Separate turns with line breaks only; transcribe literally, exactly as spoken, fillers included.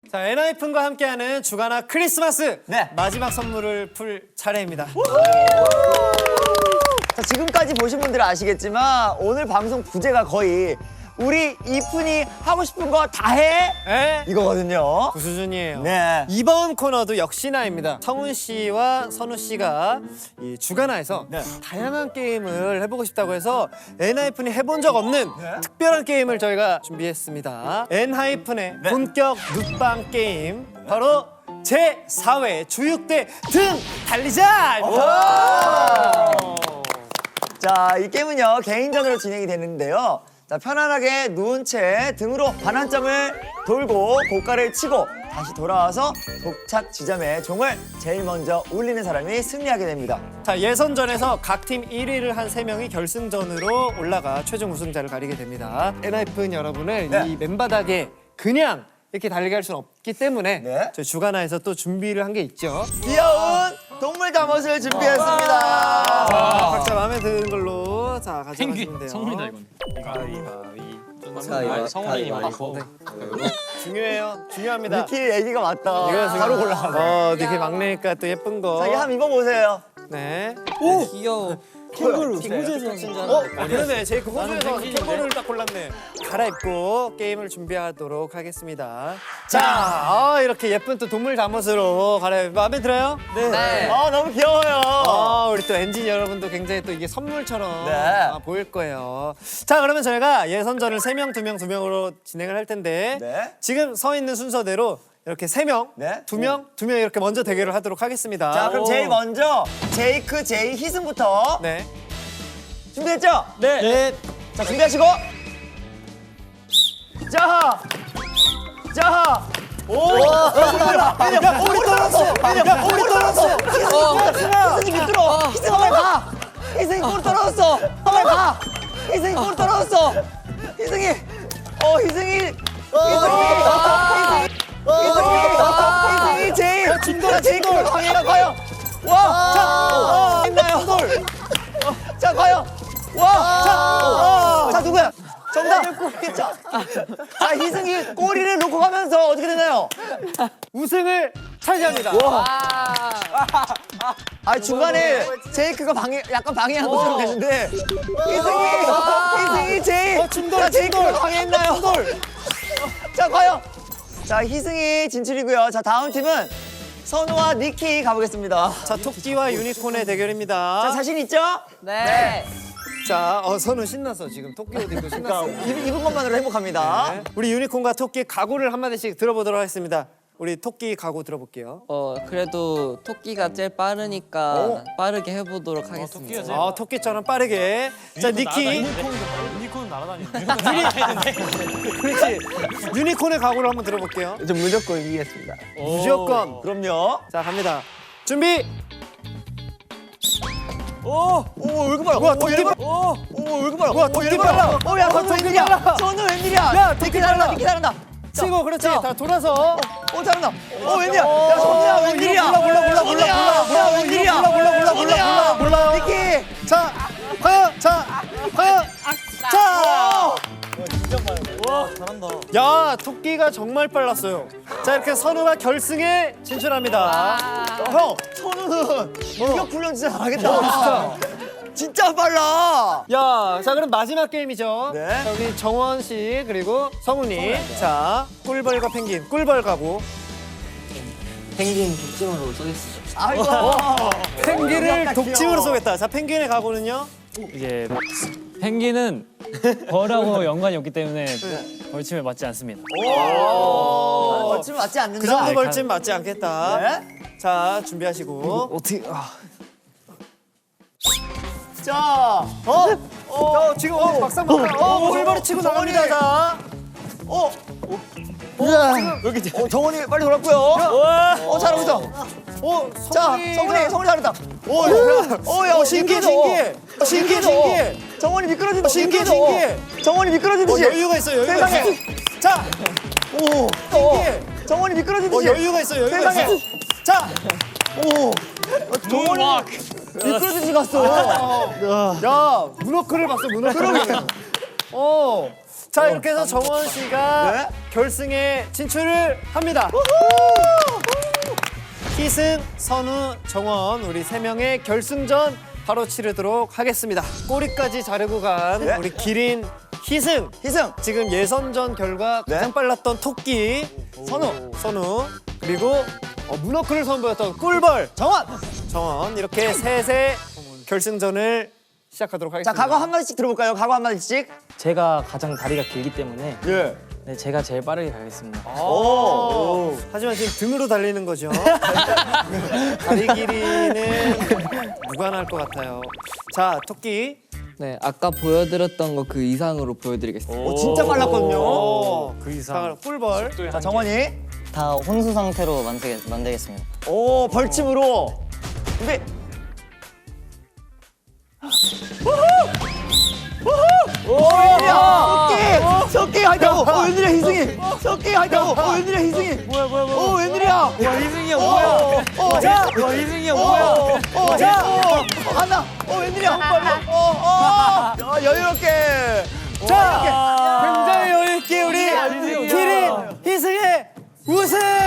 자, 엔하이픈과 함께하는 주간화 크리스마스
네.
마지막 선물을 풀 차례입니다.
자, 지금까지 보신 분들은 아시겠지만 오늘 방송 부제가 거의 우리 이쁜이 하고 싶은 거 다 해?
네,
이거거든요.
그 수준이에요.
네.
이번 코너도 역시나입니다. 성훈 씨와 선우 씨가 이 주간화에서
네.
다양한 게임을 해보고 싶다고 해서 엔하이픈이 해본 적 없는
네.
특별한 게임을 저희가 준비했습니다. 엔하이픈의
네.
본격 눕방 게임 바로 제사 회 주육대 등 달리자!
자, 이 게임은요 개인전으로 진행이 되는데요. 자, 편안하게 누운 채 등으로 반환점을 돌고 고가를 치고 다시 돌아와서 도착 지점에 종을 제일 먼저 울리는 사람이 승리하게 됩니다.
자, 예선전에서 각 팀 일 위를 한 세 명이 결승전으로 올라가 최종 우승자를 가리게 됩니다. 엔하이픈 여러분을
네.
이 맨바닥에 그냥 이렇게 달리게 할 수는 없기 때문에
네.
저희 주간화에서 또 준비를 한 게 있죠.
귀여운 동물 잠옷을 준비했습니다.
자, 각자 마음에 드는 걸로 자 가져가시면 돼요.
성훈이다 이건.
자,
성훈이 맞고.
중요해요. 중요합니다.
니키 애기가 맞다.
이거 지금-
바로 골라.
어, 니키 막내니까 또 예쁜 거.
자기 한번 입어보세요.
네.
귀여워.
캥거루.
어, 아, 그러네. 제이크 호주에서 캥거루를 딱 골랐네. 갈아입고 게임을 준비하도록 하겠습니다. 자, 아, 이렇게 예쁜 또 동물 잠옷으로 갈아입. 마음에 들어요?
네.
아, 너무 귀여워요.
아, 우리 또 엔진 여러분도 굉장히 또 이게 선물처럼
네.
아, 보일 거예요. 자, 그러면 저희가 예선전을 세 명, 두 명, 두 명으로 진행을 할 텐데
네.
지금 서 있는 순서대로 이렇게 세 명,
네.
두 명, 두 명 이렇게 먼저 대결을 하도록 하겠습니다.
자, 그럼 제일 먼저 제이크, 제이, 희승부터
네.
준비됐죠?
네. 네.
자, 준비하시고. 자, 자. 오! 야, 꼬리 떨어졌어. 야, 꼬리 떨어졌어. 희승이 밑으로. 희승 한번 가. 희승이 꼬리 떨어졌어. 한번 가. 희승이 꼬리 떨어졌어. 희승이. 어, 희승이. 희승이. 희승이. 희승이 제일. 진도라 제일 꼬리 방해가 과연. 와, 자, 했나요? 자, 과연. 와, 자, 자 누구야? 정답. 자, 자, 희승이 꼬리를 놓고 가면서 어떻게 되나요?
우승을 차지합니다.
아, 중간에 제이크가 방해, 약간 방해한 것처럼 됐는데 희승이, 희승이 제이. 자, 제이크가 방해했나요? 자, 과연. 자, 희승이 진출이고요. 자, 다음 팀은 선우와 니키 가보겠습니다.
자, 토끼와 유니콘의 대결입니다.
자, 자신 있죠?
네.
자, 어, 선우 신났어. 지금 토끼 옷 입고 신났어.
그러니까 입, 입은 것만으로 행복합니다.
네. 우리 유니콘과 토끼 각오를 한마디씩 들어보도록 하겠습니다. 우리 토끼 각오 들어볼게요.
어 그래도 토끼가 제일 빠르니까
어?
빠르게 해보도록 하겠습니다.
토끼가
아, 토끼처럼 빠르게. 자, 니키.
유니콘은 날아다니는데.
그렇지. 유니콘의 각오를 한번 들어볼게요.
저 무조건 이기겠습니다.
무조건.
그럼요.
자, 갑니다. 준비.
오, 오, 왜 이렇게 빨라?
뭐야,
오,
토끼
얘
빨라.
오, 오, 왜 이렇게 빨라?
뭐야,
오,
토끼
얘
빨라.
어, 야, 선우
토끼
웬일이야?
빨라.
선우 웬일이야?
야,
니키
토끼
잘한다,
빨라.
니키 잘한다.
치고, 그렇지.
자.
다 돌아서.
오, 잘한다. 오, 웬일이야? 야, 선우야, 웬일이야?
몰라, 몰라, 몰라, 몰라,
선우야,
몰라, 몰라,
웬일이야?
몰라, 몰라, 몰라, 몰라, 몰라, 몰라.
니키.
자, 과연, 자, 과연. 자. 야, 토끼가 정말 빨랐어요. 자, 이렇게 선우가 결승에 진출합니다.
형, 선우는 공격 훈련 진짜 잘하겠다. 진짜 빨라.
야, 자, 그럼 마지막 게임이죠.
네.
자, 우리 정원 씨 그리고 성훈이. 자, 꿀벌과 펭귄. 꿀벌 가고.
펭귄 독점으로 쏘겠습니다.
아이고.
펭귄을
귀엽다,
독침으로
귀여워.
쏘겠다. 자, 펭귄의 각오는요?
이게 펭귄은 벌하고 연관이 없기 때문에 벌침에 맞지 않습니다.
오, 멋짐 맞지 않는다.
그 정도 벌침 맞지 않겠다.
네.
자, 준비하시고.
어떻게? 아. 자, 어,
어, 지금 어, 막상 막상. 어, 꿀벌이 치고 나갑니다. 자.
어, 여기 어, 정원이 빨리 돌았고요. 어, 잘하고 있어.
어,
자,
성훈이가-
성훈이, 성훈이 잘했다. 오, 야, 오, 야,
어, 신기해,
미끄러져.
신기해. 어, 신기해,
미끄러져.
신기해.
정원이 미끄러진다.
신기해,
미끄러져.
신기해.
정원이
어,
미끄러지듯이.
여유가 있어, 여유가
세상에.
있어. 자,
오,
신기해.
정원이
어,
미끄러지듯이.
여유가 있어, 여유가
세상에.
있어. 자,
오, 정원이 미끄러지듯이 갔어.
야, 문어크를 봤어, 문어크를. 어. 자, 이렇게 해서 정원 씨가
네?
결승에 진출을 합니다. 희승, 선우, 정원 우리 세 명의 결승전 바로 치르도록 하겠습니다. 꼬리까지 자르고 간
네.
우리 기린 희승.
희승.
지금 예선전 결과
네.
가장 빨랐던 토끼 선우, 선우 그리고 어, 문어크를 선보였던 꿀벌
정원.
정원 이렇게 셋의 결승전을 시작하도록
자,
하겠습니다.
각오 한마디씩 들어볼까요? 각오 한마디씩.
제가 가장 다리가 길기 때문에
예.
네, 제가 제일 빠르게 가겠습니다.
오. 하지만 지금 등으로 달리는 거죠. 다리 길이는 무관할 것 같아요. 자, 토끼.
네, 아까 보여드렸던 거 그 이상으로 보여드리겠습니다.
오, 진짜 빨랐거든요.
오,
그 이상.
꿀벌.
자, 정원이.
다 혼수 상태로 만들게, 만들겠습니다.
오, 벌침으로. 준비. 오, 웬일이야? 토끼! 토끼 화이팅! 오, 웬일이야, 희승이? 토끼 화이팅! 오, 웬일이야, 희승이? 뭐야, 뭐야, 뭐야. 오, 웬일이야?
와 희승이 형 뭐야?
오, 자!
와 희승이 형
오,
뭐야?
오, 자! 오, 간다! 오, 웬일이야? 오, 오, 야, 여유롭게!
자, 굉장히 여유있게 우리 기린 희승의 우승!